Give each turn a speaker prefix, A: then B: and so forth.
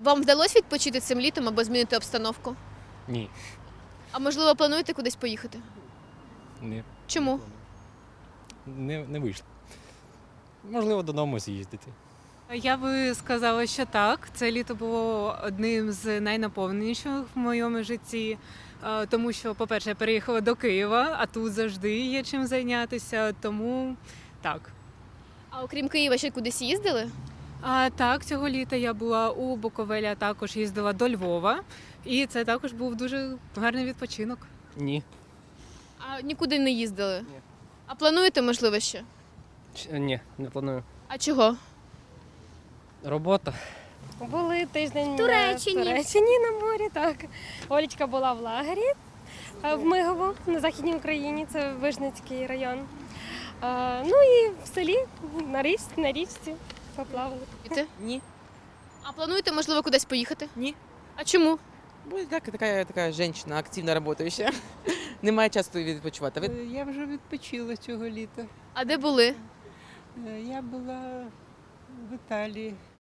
A: Вам вдалося відпочити цим літом або змінити обстановку?
B: Ні.
A: А можливо, плануєте кудись поїхати?
B: Не,
A: Чому?
B: не вийшло. Можливо, додому з'їздити.
C: Я би сказала, що так. Це літо було одним з найнаповненіших в моєму житті, тому що, по-перше, я переїхала до Києва, а тут завжди є чим зайнятися, тому так.
A: А окрім Києва ще кудись їздили?
C: А так, цього літа я була у Буковелі, а також їздила до Львова, і це також був дуже гарний відпочинок.
B: Ні.
A: А нікуди не їздили?
B: Ні.
A: А плануєте, можливо, ще?
B: Ні, не планую.
A: А чого?
B: Робота.
D: Були тиждень
E: Туреччині.
D: в Туреччині на морі, так. Олечка була в лагері в Мигово на Західній Україні, це Вижницький район. Ну і в селі на річці поплавали.
A: Піти?
F: Ні.
A: А плануєте, можливо, кудись поїхати?
F: Ні.
A: А чому?
F: Бо я така жінка, активно працююча. Немає часу відпочивати.
G: Я вже відпочила цього літа.
A: А де були?
G: Я була в Італії.